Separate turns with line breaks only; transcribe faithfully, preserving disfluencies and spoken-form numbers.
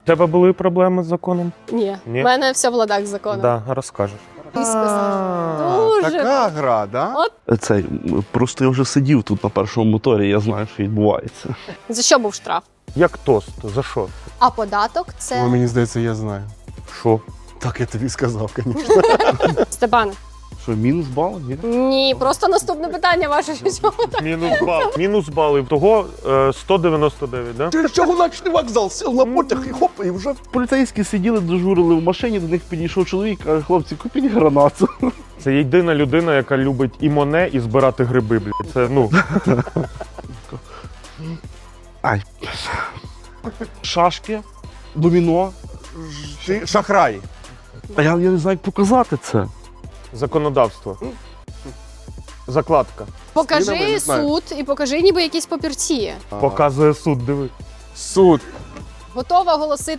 У тебе були проблеми з законом?
Ні.
Ні?
У мене все в ладах з законом.
Да, розкажеш.
Дуже.
Така гра, да?
От.
Цей, просто я вже сидів тут на першому моторі, я знаю, що відбувається.
За що був штраф?
Як тост? За що?
А податок це...
Ой, мені здається, я знаю.
Що?
Так я тобі сказав, звісно.
Степан.
Що, мінус бал? Ні?
Ні, просто наступне питання ваше. Що так?
Мінус бал. Мінус бали. Того е, сто дев'яносто дев'ять, да?
Через Чагуначний вокзал сів на потяг і хоп, і вже поліцейські сиділи, дежурили в машині, до них підійшов чоловік, каже, хлопці, купіть гранату.
Це єдина людина, яка любить і моне, і збирати гриби, блядь. Це, ну...
Ай. Шашки, доміно.
Ти шахрай.
А я, я не знаю, як показати це.
Законодавство. Закладка.
Скинемо,
Покажи
не знаю.
суд і покажи ніби якісь папірці.
Показує суд, диви.
Суд.
Готова оголосити